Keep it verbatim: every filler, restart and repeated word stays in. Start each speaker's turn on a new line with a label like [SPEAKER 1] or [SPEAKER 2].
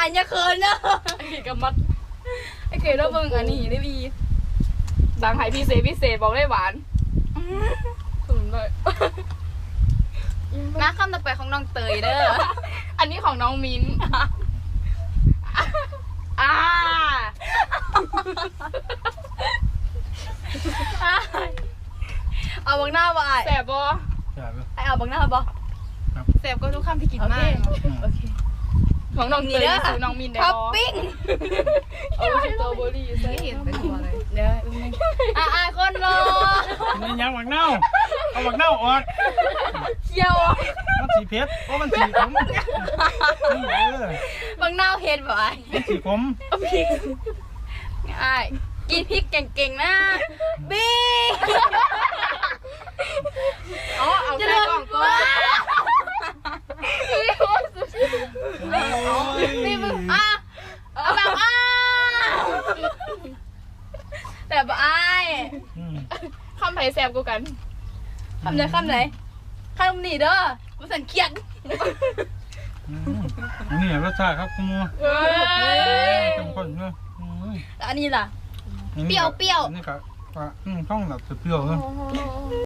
[SPEAKER 1] ายอย่าเขินเนอะ
[SPEAKER 2] ไอ้เก๋กับมัดไอ้เก๋แล้วเบิ่งอันนี้ได้บีดังไห้พิเศษพิเศษบอกได้หวานถึงเลย
[SPEAKER 1] มาคำต่อไปของน้องเตยเด้อ
[SPEAKER 2] อันนี้ของน้องมิ้นอ่า
[SPEAKER 1] เอาบังหน้าบ่ไอ้
[SPEAKER 2] แสบบ่
[SPEAKER 1] ไอ้เอาบังหน้าบ่
[SPEAKER 2] แสบก็ทุกคำที่กินมาก
[SPEAKER 1] โอเค
[SPEAKER 2] ของน้องเตยคือน้องมินได้บ่
[SPEAKER 1] ท็อปปิ้ง
[SPEAKER 2] เอาสตรอเบอรี่ใส่เห็นเป็นตัวเลย
[SPEAKER 1] เด้ออ่ะอ่ะคนรอ
[SPEAKER 3] นี่ยังหมักเน่าเอาหมักเน่าออก
[SPEAKER 1] เคี่ยว
[SPEAKER 3] มันสีเพชรเพราะมันสีขม
[SPEAKER 1] บังหน้าเห็ดบ่ไอ้
[SPEAKER 3] มันสีขม
[SPEAKER 1] ไอ้กินพริกเก่งๆนะบี้
[SPEAKER 2] อ๋อเอาใส่กล่องก่อน
[SPEAKER 1] นี่มึงอ่ะเอาแบบอ่ะแต่บ่ไอ้
[SPEAKER 2] คำไผ่แสบกูกัน
[SPEAKER 1] คำไหนคำไหนคำนี้เด้อมันสันเคียด
[SPEAKER 3] นี่รสชาติครับคุณมูเข้มข้นเลย
[SPEAKER 1] อันนี้ล่ะเปรี้ยวเปรี้ยว
[SPEAKER 3] นี่ก็ว่าต้องแบบเปรี้ยวเลย